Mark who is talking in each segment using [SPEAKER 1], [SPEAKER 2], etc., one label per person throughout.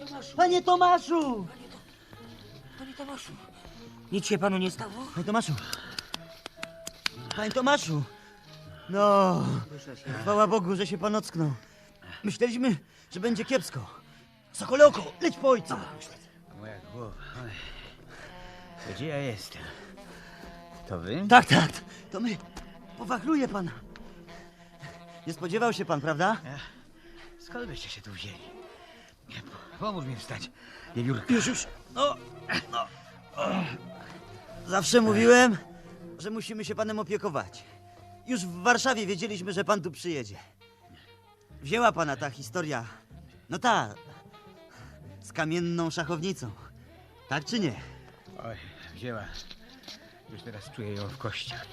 [SPEAKER 1] Tomaszu!
[SPEAKER 2] Panie Tomaszu!
[SPEAKER 1] Panie Tomaszu! Nic się panu nie stało?
[SPEAKER 2] Panie Tomaszu! Panie Tomaszu! No, chwała Bogu, że się pan ocknął. Myśleliśmy, że będzie kiepsko. Sokole oko, leć po ojca!
[SPEAKER 3] Moja głowa. Oj. Gdzie ja jestem? To wy?
[SPEAKER 2] Tak, to my. Powachluje pana. Nie spodziewał się pan, prawda?
[SPEAKER 3] Skąd byście się tu wzięli? Pomóż mi wstać, wiewiórka.
[SPEAKER 2] Już. No. Zawsze mówiłem, że musimy się panem opiekować. Już w Warszawie wiedzieliśmy, że pan tu przyjedzie. Wzięła pana ta historia. No ta. Z kamienną szachownicą. Tak czy nie?
[SPEAKER 3] Oj, wzięła. Już teraz czuję ją w kościach.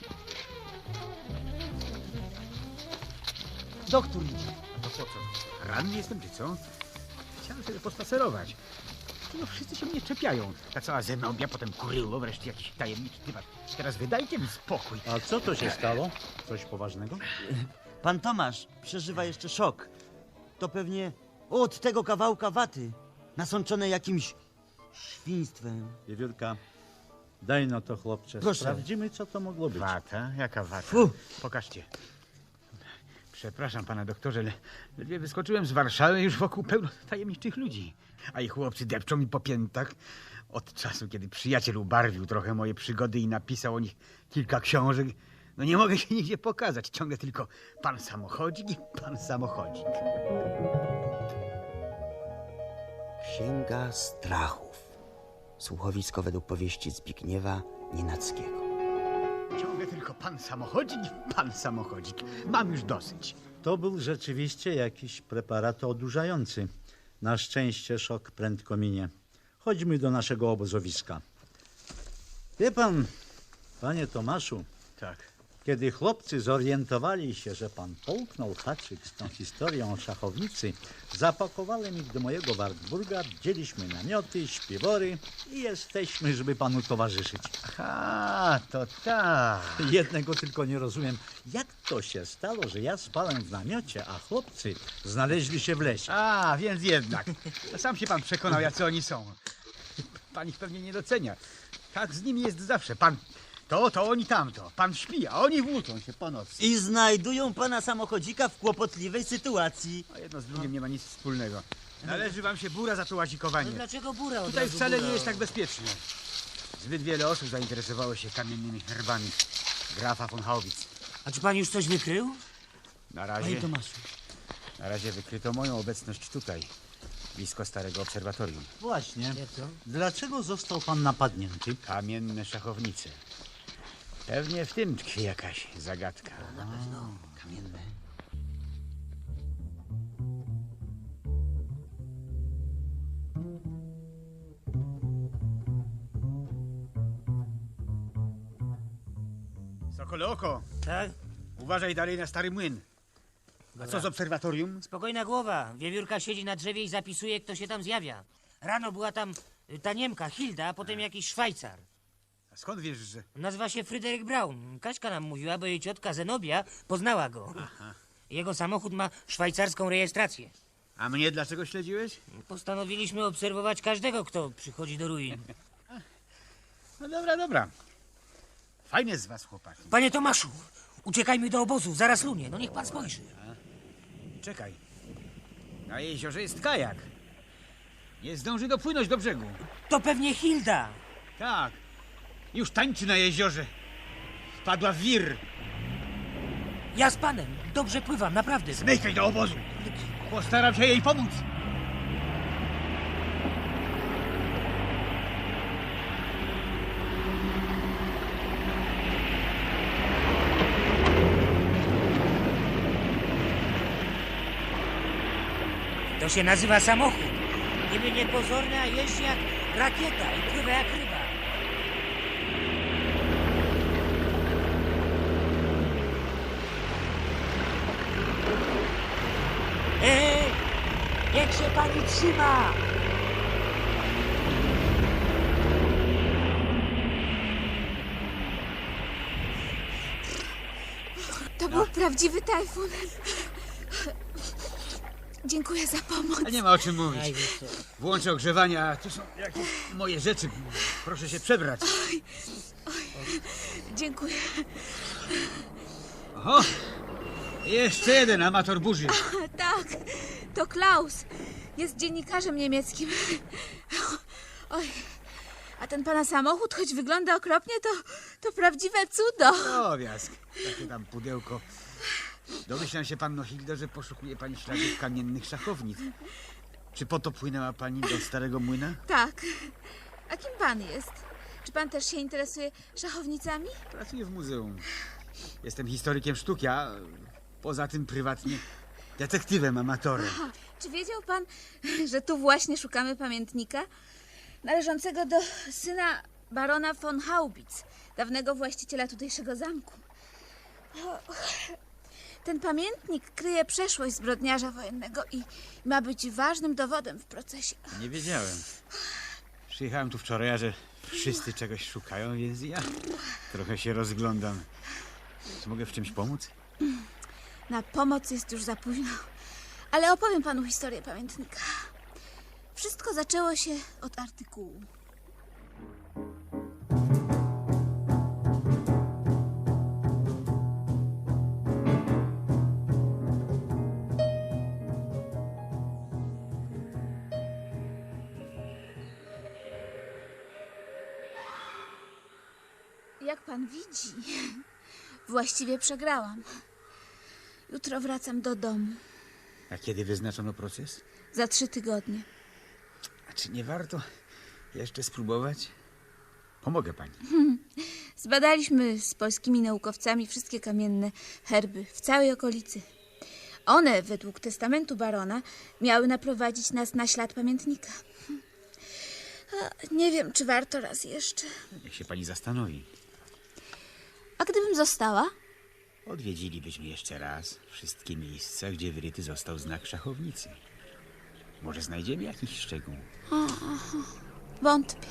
[SPEAKER 2] Doktor idzie.
[SPEAKER 3] To po co? Ranny jestem, czy co? Chciałem sobie pospacerować. No wszyscy się mnie czepiają. Ta cała zenobia, potem kuryło, wreszcie jakiś tajemniczy typat. Teraz wydajcie mi spokój.
[SPEAKER 4] A co to się stało? Coś poważnego?
[SPEAKER 2] Pan Tomasz przeżywa jeszcze szok. To pewnie od tego kawałka waty, nasączone jakimś świństwem.
[SPEAKER 4] Wiewiórka, daj no to chłopcze.
[SPEAKER 2] Proszę.
[SPEAKER 4] Sprawdzimy, co to mogło być.
[SPEAKER 3] Wata? Jaka wata?
[SPEAKER 2] Fu.
[SPEAKER 3] Pokażcie. Przepraszam pana doktorze, ale ledwie wyskoczyłem z Warszawy, już wokół pełno tajemniczych ludzi. A ich chłopcy depczą mi po piętach. Od czasu, kiedy przyjaciel ubarwił trochę moje przygody i napisał o nich kilka książek, no nie mogę się nigdzie pokazać. Ciągle tylko pan samochodzik i pan samochodzik.
[SPEAKER 5] Księga Strachów. Słuchowisko według powieści Zbigniewa Nienackiego.
[SPEAKER 3] Ciągle tylko pan samochodzik i pan samochodzik. Mam już dosyć.
[SPEAKER 4] To był rzeczywiście jakiś preparat odurzający. Na szczęście szok prędko minie. Chodźmy do naszego obozowiska. Wie pan, panie Tomaszu,
[SPEAKER 3] Tak.
[SPEAKER 4] kiedy chłopcy zorientowali się, że pan połknął haczyk z tą historią o szachownicy, zapakowałem ich do mojego Wartburga, wzięliśmy namioty, śpiwory i jesteśmy, żeby panu towarzyszyć.
[SPEAKER 3] A, to tak.
[SPEAKER 4] Jednego tylko nie rozumiem. Jak to się stało, że ja spałem w namiocie, a chłopcy znaleźli się w lesie?
[SPEAKER 3] A, więc jednak. Sam się pan przekonał, jacy oni są. Pan ich pewnie nie docenia. Tak z nimi jest zawsze. Pan to oni tamto. Pan śpi, a oni włóczą się po nocy.
[SPEAKER 2] I znajdują pana samochodzika w kłopotliwej sytuacji.
[SPEAKER 3] A jedno z drugim nie ma nic wspólnego. Należy wam się bura za to łazikowanie.
[SPEAKER 1] No dlaczego góra od
[SPEAKER 3] Tutaj
[SPEAKER 1] razu
[SPEAKER 3] wcale
[SPEAKER 1] góra?
[SPEAKER 3] nie jest tak bezpiecznie. Zbyt wiele osób zainteresowało się kamiennymi herbami grafa von Haubitz.
[SPEAKER 1] A czy pan już coś wykrył?
[SPEAKER 3] Na
[SPEAKER 2] Panie
[SPEAKER 3] razie,
[SPEAKER 2] Tomaszu.
[SPEAKER 3] na razie wykryto moją obecność tutaj, blisko starego obserwatorium.
[SPEAKER 4] Właśnie.
[SPEAKER 1] Jak to?
[SPEAKER 4] Dlaczego został pan napadnięty?
[SPEAKER 3] Kamienne szachownice. Pewnie w tym tkwi jakaś zagadka.
[SPEAKER 2] Kamienne.
[SPEAKER 3] Sokole oko,
[SPEAKER 1] Tak?
[SPEAKER 3] uważaj dalej na stary młyn. A co z obserwatorium?
[SPEAKER 1] Spokojna głowa. Wiewiórka siedzi na drzewie i zapisuje, kto się tam zjawia. Rano była tam ta Niemka, Hilda, a potem jakiś Szwajcar.
[SPEAKER 3] A skąd wiesz, że...
[SPEAKER 1] Nazywa się Fryderyk Braun. Kaśka nam mówiła, bo jej ciotka Zenobia poznała go. Jego samochód ma szwajcarską rejestrację.
[SPEAKER 3] A mnie dlaczego śledziłeś?
[SPEAKER 1] Postanowiliśmy obserwować każdego, kto przychodzi do ruin.
[SPEAKER 3] No dobra, dobra. Fajne z was, chłopaki.
[SPEAKER 1] Panie Tomaszu, uciekajmy do obozu, zaraz lunie. No niech pan spojrzy.
[SPEAKER 3] Czekaj. Na jeziorze jest kajak. Nie zdąży dopłynąć do brzegu.
[SPEAKER 1] To pewnie Hilda.
[SPEAKER 3] Tak. Już tańczy na jeziorze. Wpadła w wir.
[SPEAKER 1] Ja z panem. Dobrze pływam, naprawdę.
[SPEAKER 3] Zmykaj do obozu. Postaram się jej pomóc.
[SPEAKER 1] To się nazywa samochód. Niby niepozorny, a jeździ jak rakieta i pływa jak ryba. Niech się pani trzyma!
[SPEAKER 6] To był prawdziwy tajfun. Dziękuję za pomoc.
[SPEAKER 3] A nie ma o czym mówić.
[SPEAKER 1] Aj, wiesz co.
[SPEAKER 3] Włączę ogrzewanie, a to są jakieś moje rzeczy. Proszę się przebrać.
[SPEAKER 6] Dziękuję.
[SPEAKER 3] Oho! Jeszcze jeden amator burzy.
[SPEAKER 6] Tak, to Klaus. Jest dziennikarzem niemieckim. Oj, a ten pana samochód, choć wygląda okropnie, to prawdziwe cudo.
[SPEAKER 3] Drobiazg. Takie tam pudełko. Domyślam się, panno Hildo, że poszukuje pani śladów kamiennych szachownic. Czy po to płynęła pani do Starego Młyna?
[SPEAKER 6] Tak. A kim pan jest? Czy pan też się interesuje szachownicami?
[SPEAKER 3] Pracuję w muzeum. Jestem historykiem sztuki, a poza tym prywatnie detektywem amatorem.
[SPEAKER 6] Aha, czy wiedział pan, że tu właśnie szukamy pamiętnika należącego do syna barona von Haubitz, dawnego właściciela tutejszego zamku? Ten pamiętnik kryje przeszłość zbrodniarza wojennego i ma być ważnym dowodem w procesie.
[SPEAKER 3] Nie wiedziałem. Przyjechałem tu wczoraj, a że wszyscy czegoś szukają, więc ja trochę się rozglądam. Czy mogę w czymś pomóc?
[SPEAKER 6] Na pomoc jest już za późno, ale opowiem panu historię pamiętnika. Wszystko zaczęło się od artykułu. Jak pan widzi, właściwie przegrałam. Jutro wracam do domu.
[SPEAKER 3] A kiedy wyznaczono proces?
[SPEAKER 6] Za 3 tygodnie.
[SPEAKER 3] A czy nie warto jeszcze spróbować? Pomogę pani.
[SPEAKER 6] Zbadaliśmy z polskimi naukowcami wszystkie kamienne herby w całej okolicy. One, według testamentu barona, miały naprowadzić nas na ślad pamiętnika. A nie wiem, czy warto raz jeszcze.
[SPEAKER 3] Niech się pani zastanowi.
[SPEAKER 6] A gdybym została?
[SPEAKER 3] Odwiedzilibyśmy jeszcze raz wszystkie miejsca, gdzie wyryty został znak szachownicy. Może znajdziemy jakiś szczegół.
[SPEAKER 6] Wątpię.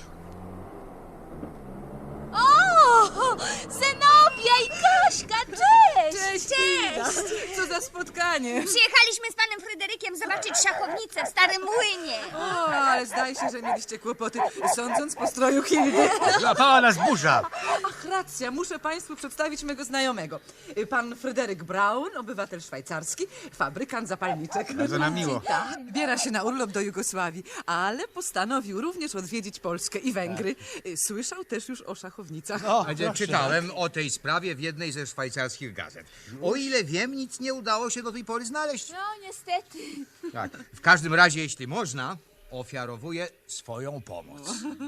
[SPEAKER 6] O! Zenobia i Kaśka, cześć!
[SPEAKER 7] Cześć! Co za spotkanie!
[SPEAKER 8] Przyjechaliśmy z panem Fryderykiem zobaczyć szachownicę w Starym Młynie.
[SPEAKER 7] O, ale zdaje się, że mieliście kłopoty, sądząc po stroju Hildy.
[SPEAKER 3] Złapała nas burza!
[SPEAKER 7] Ach, racja, muszę państwu przedstawić mego znajomego. Pan Fryderyk Braun, obywatel szwajcarski, fabrykant zapalniczek.
[SPEAKER 3] Bardzo nam miło.
[SPEAKER 7] Tak, wybiera się na urlop do Jugosławii, ale postanowił również odwiedzić Polskę i Węgry. Słyszał też już o szachownicach.
[SPEAKER 9] Czytałem o tej sprawie w jednej ze szwajcarskich gazet. O ile wiem, nic nie udało się do tej pory znaleźć.
[SPEAKER 6] No, niestety.
[SPEAKER 9] Tak. W każdym razie, jeśli można, ofiarowuję swoją pomoc.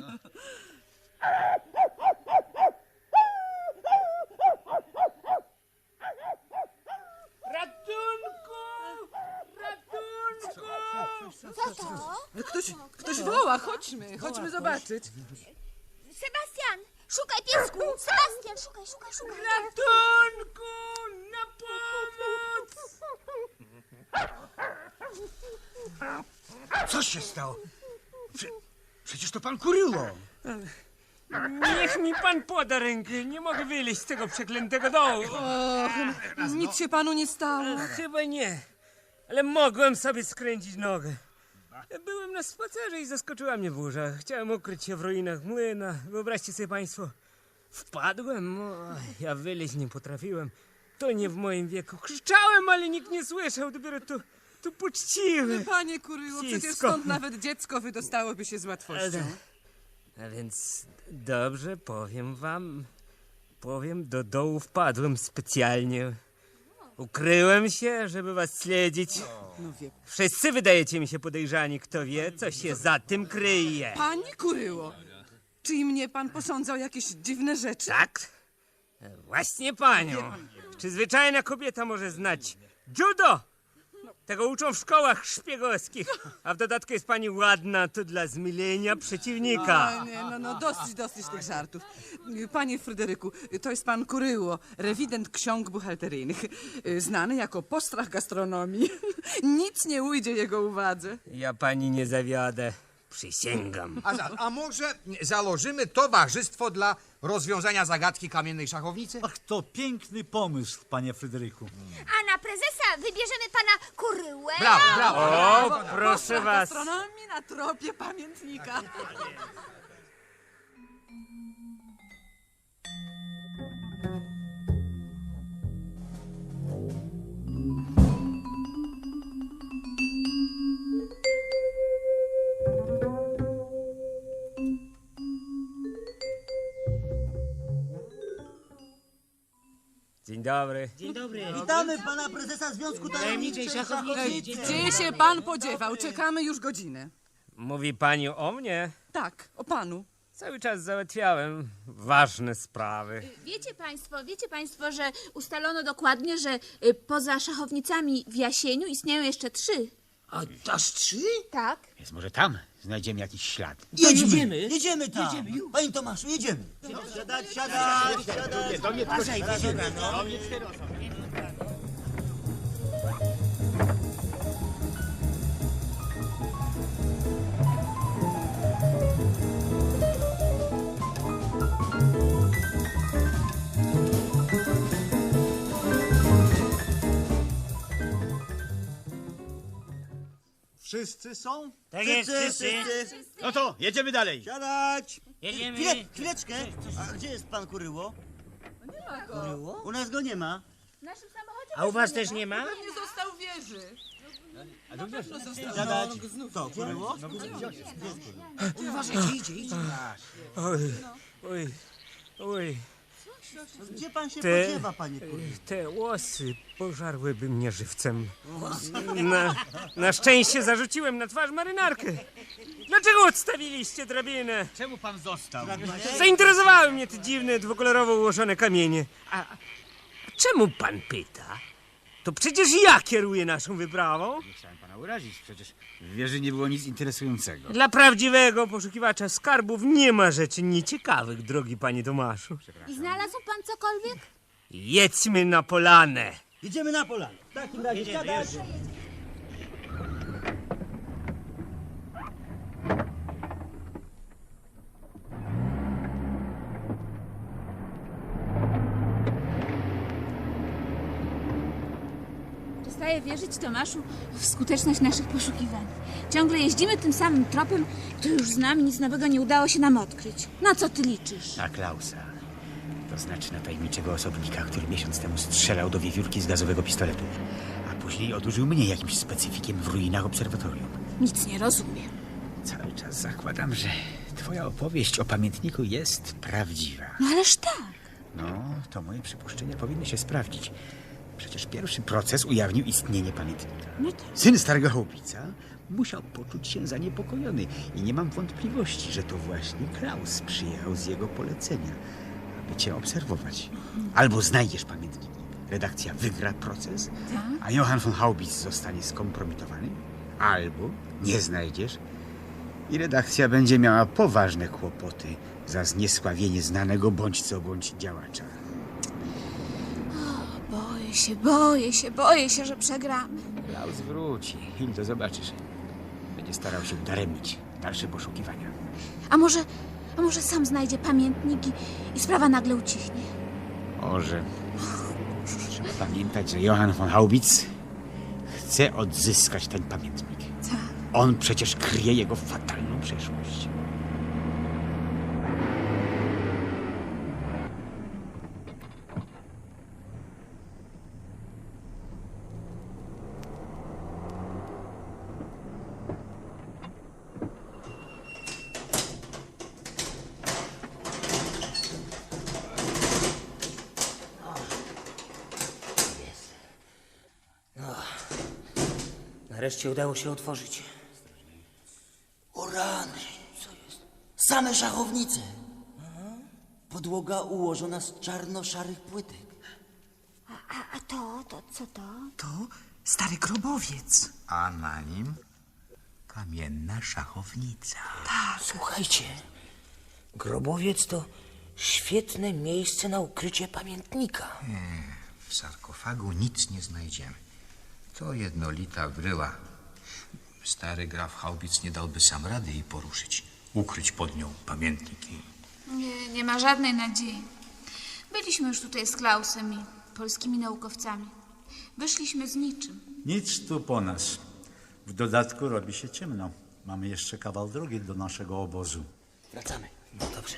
[SPEAKER 1] Ratunku! Ratunku!
[SPEAKER 7] Ktoś woła, chodźmy zobaczyć.
[SPEAKER 8] Sebastian, szukaj piesku! Sebastian, szukaj!
[SPEAKER 1] Ratunku! Na pomoc!
[SPEAKER 3] Co się stało? Przecież to pan Kuryło.
[SPEAKER 10] Niech mi pan poda rękę. Nie mogę wyleźć z tego przeklętego dołu.
[SPEAKER 7] Nic się panu nie stało.
[SPEAKER 10] Chyba nie, ale mogłem sobie skręcić nogę. Byłem na spacerze i zaskoczyła mnie burza. Chciałem ukryć się w ruinach młyna. Wyobraźcie sobie państwo, wpadłem, ja wyleźć nie potrafiłem. To nie w moim wieku. Krzyczałem, ale nikt nie słyszał. Dopiero tu poczciwy.
[SPEAKER 7] Panie Kuryło, przecież
[SPEAKER 10] Cisko.
[SPEAKER 7] stąd nawet dziecko wydostałoby się z łatwością.
[SPEAKER 10] A więc dobrze, powiem wam. Do dołu wpadłem specjalnie. Ukryłem się, żeby was śledzić.
[SPEAKER 7] No wie.
[SPEAKER 10] Wszyscy wydajecie mi się podejrzani. Kto wie, co się za tym kryje.
[SPEAKER 7] Panie Kuryło, czy i mnie pan posądza o jakieś dziwne rzeczy?
[SPEAKER 10] Tak? Właśnie panią. Czy zwyczajna kobieta może znać judo? Tego uczą w szkołach szpiegowskich. A w dodatku jest pani ładna, to dla zmielenia przeciwnika.
[SPEAKER 7] O, nie, no dosyć tych żartów. Panie Fryderyku, to jest pan Kuryło, rewident ksiąg buchalteryjnych, znany jako postrach gastronomii. Nic nie ujdzie jego uwadze.
[SPEAKER 10] Ja pani nie zawiodę. Przysięgam.
[SPEAKER 9] A może założymy towarzystwo dla rozwiązania zagadki kamiennej szachownicy?
[SPEAKER 4] Ach, to piękny pomysł, panie Fryderyku.
[SPEAKER 8] A na prezesa wybierzemy pana Kuryłę.
[SPEAKER 9] Brawo, brawo.
[SPEAKER 10] O, proszę was.
[SPEAKER 7] Gastronomii na tropie pamiętnika.
[SPEAKER 10] Dzień dobry.
[SPEAKER 1] Dzień dobry.
[SPEAKER 2] Witamy pana prezesa Związku
[SPEAKER 1] Tajemniczej Szachownicy.
[SPEAKER 7] Gdzie się pan podziewał? Czekamy już godzinę.
[SPEAKER 10] Mówi pani o mnie?
[SPEAKER 7] Tak, o panu.
[SPEAKER 10] Cały czas załatwiałem ważne sprawy.
[SPEAKER 6] Wiecie państwo, że ustalono dokładnie, że poza szachownicami w Jasieniu istnieją jeszcze 3.
[SPEAKER 1] A aż 3?
[SPEAKER 6] Tak.
[SPEAKER 3] Więc może tam znajdziemy jakiś ślad.
[SPEAKER 1] Jedziemy.
[SPEAKER 2] Jedziemy tam. Panie Tomaszu, jedziemy. Siadać, siadać, siadać.
[SPEAKER 1] Uważaj, Wiedziura, no.
[SPEAKER 4] Wszyscy są?
[SPEAKER 1] Tak jest, wszyscy.
[SPEAKER 3] No to jedziemy dalej.
[SPEAKER 2] Siadać.
[SPEAKER 1] Jedziemy.
[SPEAKER 2] Chwileczkę. A gdzie jest pan Kuryło? Kuryło? U nas go nie ma.
[SPEAKER 6] W naszym samochodzie
[SPEAKER 1] A u was też nie ma?
[SPEAKER 7] Nie został w wieży.
[SPEAKER 2] Siadać. To, Kuryło?
[SPEAKER 1] Uważajcie, idzie.
[SPEAKER 10] Oj, oj, oj.
[SPEAKER 2] Gdzie pan się
[SPEAKER 10] Te-
[SPEAKER 2] podziewa, panie Kuryło?
[SPEAKER 10] Te łosy pożarłyby mnie żywcem. Na szczęście zarzuciłem na twarz marynarkę. Dlaczego odstawiliście drabinę?
[SPEAKER 3] Czemu pan został?
[SPEAKER 10] Zainteresowały mnie te dziwne, dwukolorowo ułożone kamienie. A czemu pan pyta? To przecież ja kieruję naszą wyprawą.
[SPEAKER 3] Nie chciałem pana urazić, przecież w wieży nie było nic interesującego.
[SPEAKER 10] Dla prawdziwego poszukiwacza skarbów nie ma rzeczy nieciekawych, drogi panie Tomaszu.
[SPEAKER 6] I znalazł pan cokolwiek?
[SPEAKER 10] Jedźmy na polanę.
[SPEAKER 2] Jedziemy na polanę. W takim razie siadać.
[SPEAKER 6] Przestaję wierzyć, Tomaszu, w skuteczność naszych poszukiwań. Ciągle jeździmy tym samym tropem, który już znamy, nic nowego nie udało się nam odkryć. Na co ty liczysz?
[SPEAKER 3] Na Klausa. To znaczy na tajemniczego osobnika, który miesiąc temu strzelał do wiewiórki z gazowego pistoletu, a później odurzył mnie jakimś specyfikiem w ruinach obserwatorium.
[SPEAKER 6] Nic nie rozumiem.
[SPEAKER 3] Cały czas zakładam, że twoja opowieść o pamiętniku jest prawdziwa.
[SPEAKER 6] No ależ tak.
[SPEAKER 3] No, to moje przypuszczenia powinny się sprawdzić. Przecież pierwszy proces ujawnił istnienie pamiętnika.
[SPEAKER 6] No tak.
[SPEAKER 3] Syn starego chłopica musiał poczuć się zaniepokojony i nie mam wątpliwości, że to właśnie Klaus przyjechał z jego polecenia, aby cię obserwować. Albo znajdziesz pamiętnik, redakcja wygra proces, a Johann von Haubitz zostanie skompromitowany, albo nie znajdziesz i redakcja będzie miała poważne kłopoty za zniesławienie znanego bądź co bądź działacza.
[SPEAKER 6] Boję się, że przegramy.
[SPEAKER 3] Klaus wróci. Hildo, zobaczysz. Będzie starał się udaremnić dalsze poszukiwania.
[SPEAKER 6] A może sam znajdzie pamiętnik i sprawa nagle ucichnie.
[SPEAKER 3] Może. Trzeba pamiętać, że Johann von Haubitz chce odzyskać ten pamiętnik.
[SPEAKER 6] Tak.
[SPEAKER 3] On przecież kryje jego fatalną przeszłość.
[SPEAKER 1] Nareszcie udało się otworzyć.
[SPEAKER 2] O rany. Co jest? Same szachownice. Podłoga ułożona z czarno-szarych płytek.
[SPEAKER 8] A to co to?
[SPEAKER 7] To stary grobowiec.
[SPEAKER 9] A na nim kamienna szachownica.
[SPEAKER 1] Słuchajcie, grobowiec to świetne miejsce na ukrycie pamiętnika.
[SPEAKER 9] W sarkofagu nic nie znajdziemy. To jednolita bryła. Stary graf Haubic nie dałby sam rady jej poruszyć. Ukryć pod nią pamiętnik i...
[SPEAKER 6] Nie ma żadnej nadziei. Byliśmy już tutaj z Klausem i polskimi naukowcami. Wyszliśmy z niczym.
[SPEAKER 4] Nic tu po nas. W dodatku robi się ciemno. Mamy jeszcze kawał drogi do naszego obozu.
[SPEAKER 5] Wracamy.
[SPEAKER 1] No dobrze.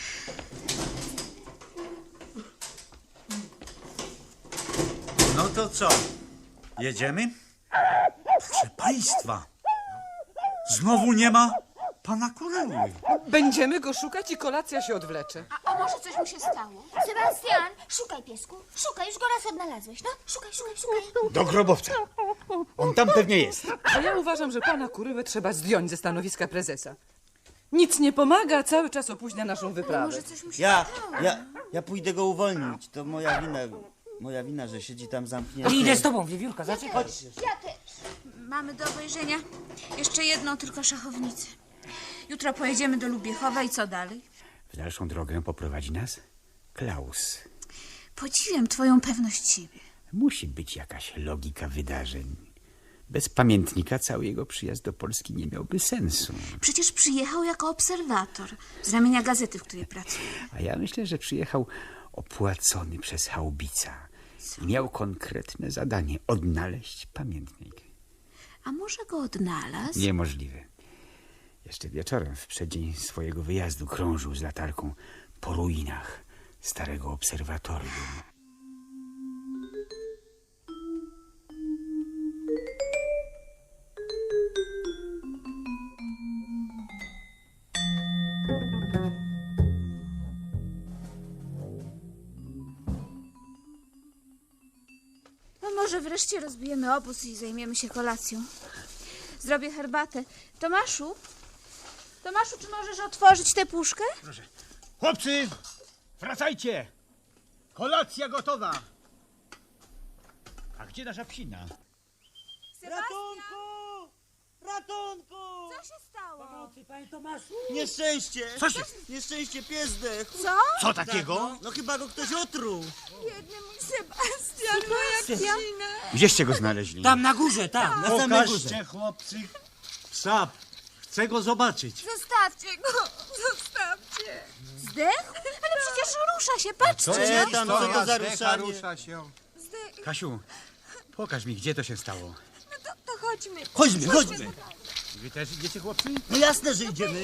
[SPEAKER 4] No to co? Jedziemy? Proszę państwa, znowu nie ma pana Kuryły.
[SPEAKER 7] Będziemy go szukać i kolacja się odwlecze.
[SPEAKER 6] A może coś mu się stało?
[SPEAKER 8] Sebastian, szukaj, piesku. Szukaj, już go raz odnalazłeś. No, szukaj.
[SPEAKER 3] Do grobowca. On tam pewnie jest.
[SPEAKER 7] A ja uważam, że pana Kuryłę trzeba zdjąć ze stanowiska prezesa. Nic nie pomaga, cały czas opóźnia naszą wyprawę.
[SPEAKER 6] Może coś mu się
[SPEAKER 2] Ja pójdę go uwolnić. To moja wina, że siedzi tam zamknięty.
[SPEAKER 1] Idę z tobą, wiewiórka, zaczekaj.
[SPEAKER 8] Ja też.
[SPEAKER 6] Mamy do obejrzenia jeszcze jedną tylko szachownicę. Jutro pojedziemy do Lubiechowa i co dalej?
[SPEAKER 3] W dalszą drogę poprowadzi nas Klaus.
[SPEAKER 6] Podziwiam twoją pewność siebie.
[SPEAKER 3] Musi być jakaś logika wydarzeń. Bez pamiętnika cały jego przyjazd do Polski nie miałby sensu.
[SPEAKER 6] Przecież przyjechał jako obserwator z ramienia gazety, w której pracuje.
[SPEAKER 3] A ja myślę, że przyjechał opłacony przez Haubica i miał konkretne zadanie – odnaleźć pamiętnik.
[SPEAKER 6] A może go odnalazł?
[SPEAKER 3] Niemożliwe. Jeszcze wieczorem, w przeddzień swojego wyjazdu, krążył z latarką po ruinach starego obserwatorium.
[SPEAKER 6] No może wreszcie rozbijemy obóz i zajmiemy się kolacją. Zrobię herbatę. Tomaszu, czy możesz otworzyć tę puszkę?
[SPEAKER 3] Proszę. Chłopcy, wracajcie! Kolacja gotowa! A gdzie nasza psina?
[SPEAKER 2] Ratunku!
[SPEAKER 6] Co się stało?
[SPEAKER 1] Pomocy, panie Tomaszu.
[SPEAKER 2] Nieszczęście!
[SPEAKER 3] Co się...
[SPEAKER 2] Nieszczęście, pies zdechł.
[SPEAKER 6] Co?
[SPEAKER 3] Co takiego?
[SPEAKER 2] No chyba go ktoś otruł.
[SPEAKER 6] Biedny mój Sebastian, moja psina.
[SPEAKER 3] Gdzieście go znaleźli?
[SPEAKER 1] Tam na górze, tam.
[SPEAKER 2] Na samej górze.
[SPEAKER 4] Pokażcie, chłopcy, psa. Chcę go zobaczyć.
[SPEAKER 6] Zostawcie go, zostawcie. Zdechł? Ale przecież rusza się, patrzcie.
[SPEAKER 2] Tam co to za ruszanie?
[SPEAKER 9] rusza się.
[SPEAKER 3] Kasiu, pokaż mi, gdzie to się stało.
[SPEAKER 6] No to chodźmy.
[SPEAKER 2] Chodźmy.
[SPEAKER 3] Wy też idziecie, chłopcy?
[SPEAKER 2] No jasne, że idziemy.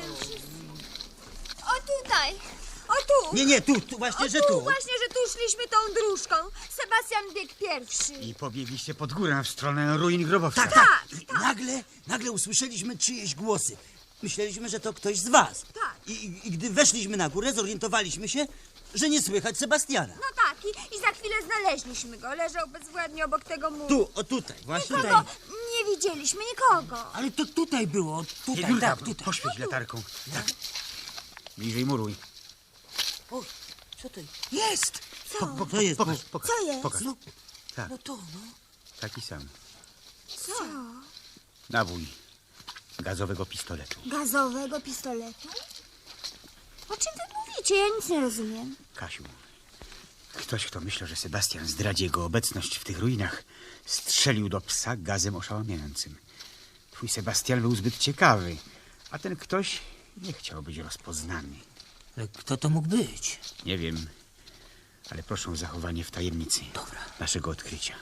[SPEAKER 8] O tutaj. O tu.
[SPEAKER 2] Nie, tu, właśnie, że tu.
[SPEAKER 8] Właśnie, że tu szliśmy tą dróżką. Sebastian biegł pierwszy.
[SPEAKER 3] I pobiegliście pod górę w stronę ruin grobowca.
[SPEAKER 2] Tak. Nagle usłyszeliśmy czyjeś głosy. Myśleliśmy, że to ktoś z was.
[SPEAKER 8] Tak.
[SPEAKER 2] I gdy weszliśmy na górę, zorientowaliśmy się, że nie słychać Sebastiana.
[SPEAKER 8] No tak, i za chwilę znaleźliśmy go. Leżał bezwładnie obok tego muru.
[SPEAKER 2] Tu, tutaj, właśnie.
[SPEAKER 8] Nikogo nie widzieliśmy, nikogo.
[SPEAKER 1] Ale to tutaj było, tutaj,
[SPEAKER 3] Wiewiórka,
[SPEAKER 1] tak, tutaj.
[SPEAKER 3] poświeć latarką. Tak. Bliżej muruj.
[SPEAKER 1] O, co to jest?
[SPEAKER 2] To jest.
[SPEAKER 3] Pokaż.
[SPEAKER 8] Co jest?
[SPEAKER 3] Pokaż. Tak,
[SPEAKER 1] No to, no.
[SPEAKER 3] taki sam.
[SPEAKER 8] Co?
[SPEAKER 3] Nabój gazowego pistoletu.
[SPEAKER 8] Gazowego pistoletu? O czym wy mówicie? Ja nic nie rozumiem.
[SPEAKER 3] Kasiu, ktoś, kto myślał, że Sebastian zdradzi jego obecność w tych ruinach, strzelił do psa gazem oszałamiającym. Twój Sebastian był zbyt ciekawy, a ten ktoś nie chciał być rozpoznany.
[SPEAKER 1] Ale kto to mógł być?
[SPEAKER 3] Nie wiem, ale proszę o zachowanie w tajemnicy naszego odkrycia.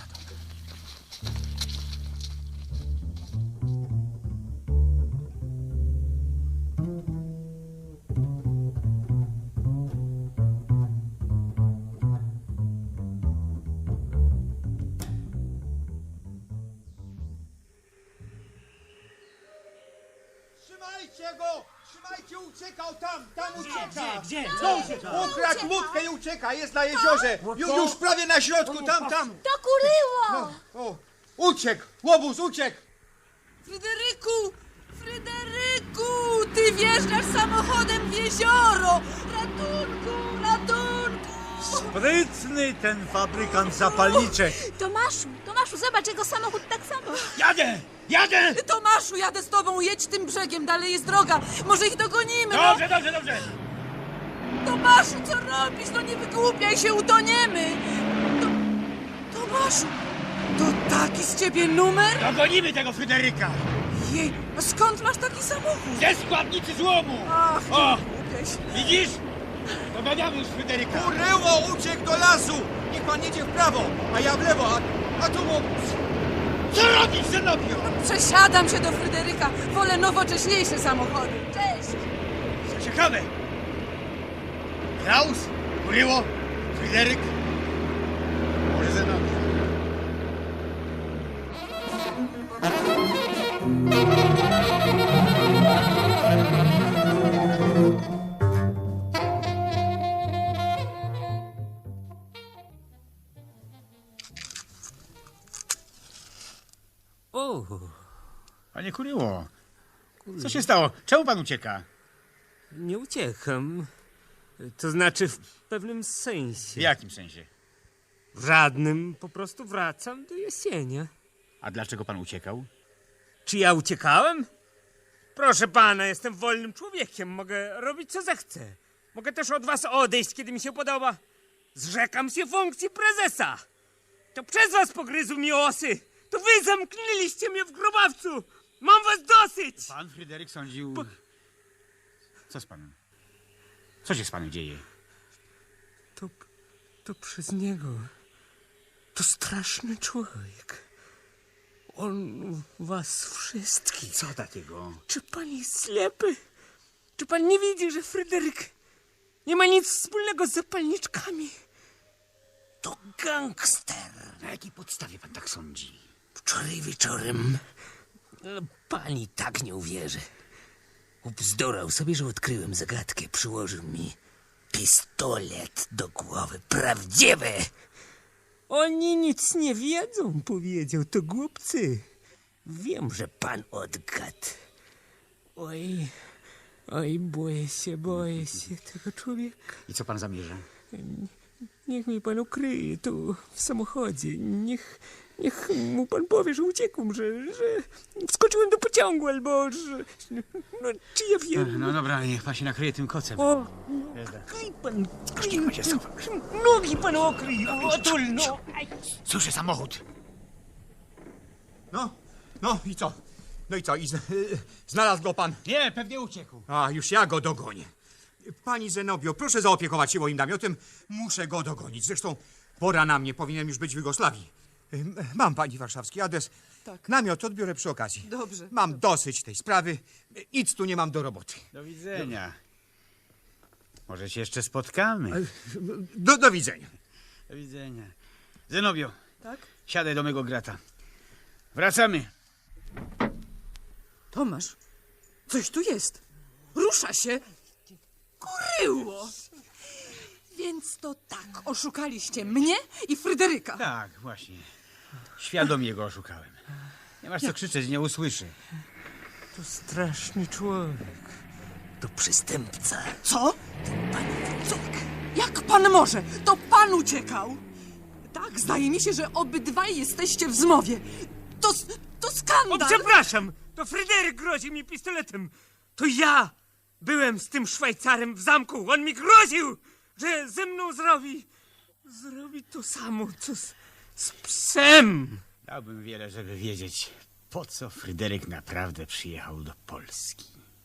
[SPEAKER 9] Trzymajcie go! Trzymajcie, uciekał tam ucieka!
[SPEAKER 1] Gdzie?
[SPEAKER 9] Ukradł łódkę i ucieka, jest na jeziorze! Już prawie na środku, tam!
[SPEAKER 8] To Kuryło!
[SPEAKER 9] O, uciekł! Łobuz, uciekł!
[SPEAKER 7] Fryderyku, ty wjeżdżasz samochodem w jezioro! Ratunku!
[SPEAKER 4] Sprytny ten fabrykant zapalniczek.
[SPEAKER 6] Tomaszu, zobacz, jego samochód tak samo.
[SPEAKER 3] Jadę!
[SPEAKER 7] Tomaszu, jadę z tobą, jedź tym brzegiem, dalej jest droga. Może ich dogonimy,
[SPEAKER 3] Dobrze!
[SPEAKER 7] Tomaszu, co robisz? No nie wygłupiaj się, utoniemy! Tomaszu! To taki z ciebie numer?
[SPEAKER 3] Dogonimy tego Fryderyka!
[SPEAKER 7] Jej, a skąd masz taki samochód?
[SPEAKER 3] Ze składnicy złomu!
[SPEAKER 7] Ach,
[SPEAKER 3] O!
[SPEAKER 7] głupieś.
[SPEAKER 3] Widzisz? Doganiamy już Fryderyka!
[SPEAKER 9] Kuryło uciekł do lasu! Niech pan jedzie w prawo, a ja w lewo, a tu mu...
[SPEAKER 3] Co robisz, Zenobio?
[SPEAKER 7] Przesiadam się do Fryderyka. Wolę nowocześniejsze samochody. Cześć!
[SPEAKER 3] Co ciekawe! Klaus, Kuryło, Fryderyk, może Zenobia.
[SPEAKER 10] O,
[SPEAKER 3] Panie Kuryło, co się stało? Czemu pan ucieka?
[SPEAKER 10] nie uciekam. To znaczy w pewnym
[SPEAKER 3] W
[SPEAKER 10] sensie.
[SPEAKER 3] jakim sensie?
[SPEAKER 10] W żadnym, po prostu wracam do jesienia.
[SPEAKER 3] A dlaczego pan uciekał?
[SPEAKER 10] Czy ja uciekałem? Proszę pana, jestem wolnym człowiekiem. Mogę robić co zechcę. Mogę też od was odejść, kiedy mi się podoba. Zrzekam się funkcji prezesa. To przez was pogryzł mi osy. To wy zamknęliście mnie w grobawcu. Mam was dosyć.
[SPEAKER 3] Pan Fryderyk sądził... Co z panem? Co się z panem dzieje?
[SPEAKER 10] To przez niego. To straszny człowiek. On was wszystkich.
[SPEAKER 3] Co takiego?
[SPEAKER 10] Czy pan jest ślepy? Czy pan nie widzi, że Fryderyk nie ma nic wspólnego z zapalniczkami? To gangster.
[SPEAKER 3] Na jakiej podstawie pan tak sądzi?
[SPEAKER 10] Wczoraj wieczorem pani tak nie uwierzy. Ubzdurał sobie, że odkryłem zagadkę. Przyłożył mi pistolet do głowy. Prawdziwy! Oni nic nie wiedzą, powiedział. To głupcy. Wiem, że pan odgadł. Oj, boję się tego człowieka.
[SPEAKER 3] I co pan zamierza?
[SPEAKER 10] Niech mi pan ukryje tu w samochodzie. Niech mu pan powie, że uciekłem, że wskoczyłem do pociągu, albo że... No, czy ja wiem?
[SPEAKER 3] No dobra, niech pan się nakryje tym kocem.
[SPEAKER 10] O, kryj pan, nogi pan okryj, otul, no.
[SPEAKER 3] Słyszę samochód.
[SPEAKER 9] No i co? No i co? Znalazł go pan?
[SPEAKER 3] Nie, pewnie uciekł.
[SPEAKER 9] A, już ja go dogonię. Pani Zenobio, proszę zaopiekować się moim namiotem. Muszę go dogonić. Zresztą pora na mnie, powinienem już być w Jugosławii. Mam pani warszawski adres.
[SPEAKER 7] Tak.
[SPEAKER 9] Namiot odbiorę przy okazji.
[SPEAKER 7] Dobrze.
[SPEAKER 9] Mam dosyć tej sprawy. Nic tu nie mam do roboty.
[SPEAKER 3] Do widzenia. Może się jeszcze spotkamy.
[SPEAKER 9] Do widzenia.
[SPEAKER 3] Do widzenia. Zenobio,
[SPEAKER 7] Tak?
[SPEAKER 3] siadaj do mego grata. Wracamy.
[SPEAKER 7] Tomasz, coś tu jest. Rusza się. Kuryło. Więc to tak, oszukaliście mnie i Fryderyka.
[SPEAKER 3] Tak, właśnie. Świadomie go oszukałem. Nie masz co krzyczeć, nie usłyszy.
[SPEAKER 10] To straszny człowiek. To przestępca.
[SPEAKER 7] Co? Jak pan może? To pan uciekał. Tak, zdaje mi się, że obydwaj jesteście w zmowie. To skandal.
[SPEAKER 10] O, przepraszam, to Fryderyk grozi mi pistoletem. To ja byłem z tym Szwajcarem w zamku. On mi groził, że ze mną zrobi to samo, co z psem.
[SPEAKER 3] Dałbym wiele, żeby wiedzieć, po co Fryderyk naprawdę przyjechał do Polski.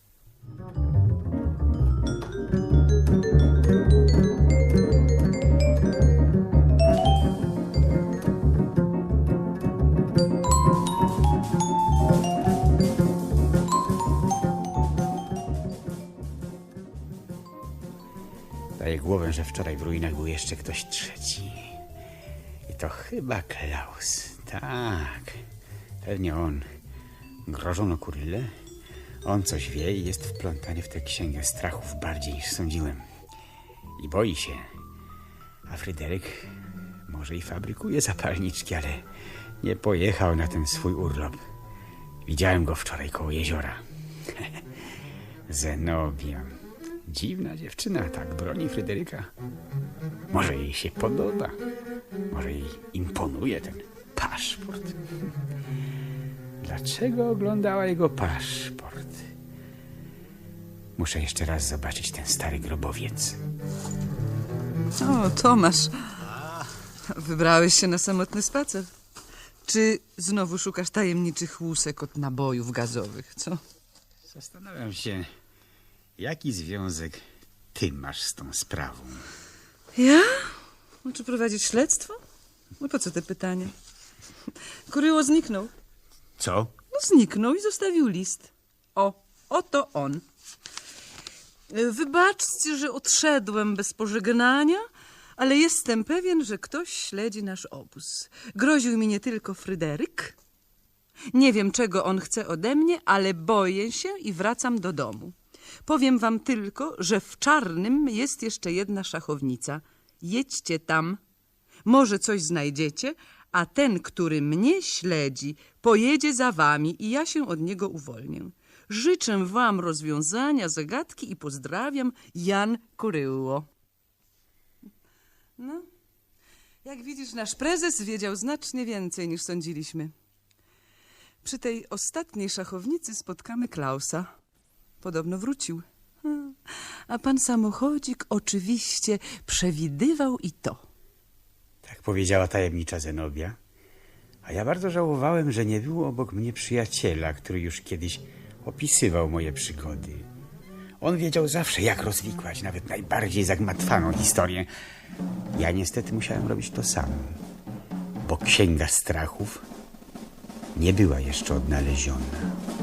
[SPEAKER 3] Daję głowę, że wczoraj w ruinach był jeszcze ktoś trzeci. I to chyba Klaus. Tak, pewnie on. Grożono Kurylę. On coś wie i jest wplątany w tę księgę strachów bardziej niż sądziłem. I boi się. A Fryderyk może i fabrykuje zapalniczki, ale nie pojechał na ten swój urlop. Widziałem go wczoraj koło jeziora. Zenobia. Dziwna dziewczyna, tak broni Fryderyka. Może jej się podoba. Może jej imponuje ten paszport. Dlaczego oglądała jego paszport? Muszę jeszcze raz zobaczyć ten stary grobowiec.
[SPEAKER 7] O, Tomasz. Wybrałeś się na samotny spacer. Czy znowu szukasz tajemniczych łusek od nabojów gazowych, co?
[SPEAKER 3] Zastanawiam się, jaki związek ty masz z tą sprawą.
[SPEAKER 7] Ja? No, czy prowadzić śledztwo? No po co te pytania? Kuryło zniknął.
[SPEAKER 3] Co?
[SPEAKER 7] No zniknął i zostawił list. Oto on. Wybaczcie, że odszedłem bez pożegnania, ale jestem pewien, że ktoś śledzi nasz obóz. Groził mi nie tylko Fryderyk. Nie wiem, czego on chce ode mnie, ale boję się i wracam do domu. Powiem wam tylko, że w Czarnym jest jeszcze jedna szachownica. Jedźcie tam. Może coś znajdziecie, a ten, który mnie śledzi, pojedzie za wami i ja się od niego uwolnię. Życzę wam rozwiązania zagadki i pozdrawiam, Jan Kuryło. No, jak widzisz, nasz prezes wiedział znacznie więcej niż sądziliśmy. Przy tej ostatniej szachownicy spotkamy Klausa. Podobno wrócił. A pan samochodzik oczywiście przewidywał i to.
[SPEAKER 3] Tak powiedziała tajemnicza Zenobia. A ja bardzo żałowałem, że nie było obok mnie przyjaciela, który już kiedyś opisywał moje przygody. On wiedział zawsze, jak rozwikłać nawet najbardziej zagmatwaną historię. Ja niestety musiałem robić to samo, bo Księga Strachów nie była jeszcze odnaleziona.